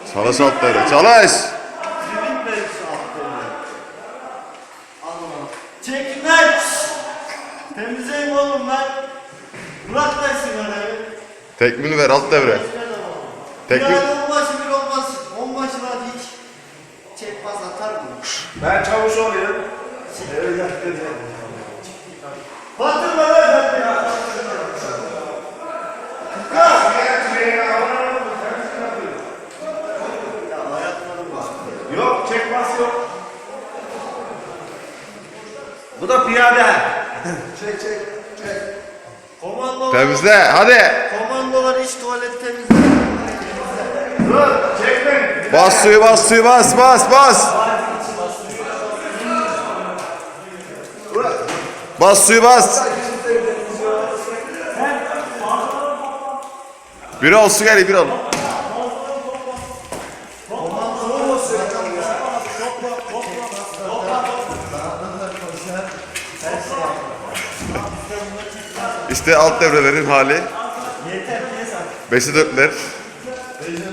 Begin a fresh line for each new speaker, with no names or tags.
Çalış alt devre. Çalış.
Çekmek. Temizleyeyim oğlum ben. Bırak da sigarayı.
Tekmini ver alt devre.
Bir
Tekmin.
onbaşı bir olmaz. Onbaşı da hiç çekmez atar mı?
Ben çavuş olayım.
Batırma lan ben.
Yok, çekmez yok. Bu da piyade.
Çek. Komandolar,
Temizle. Hadi.
komandolar iç tuvalet temizle.
Dur, çekme.
Bas suyu bas suyu bas bas bas. Bas suyu bas. Bir ol su gel bir ol. İşte alt devrelerin hali. 5'e 4'ler.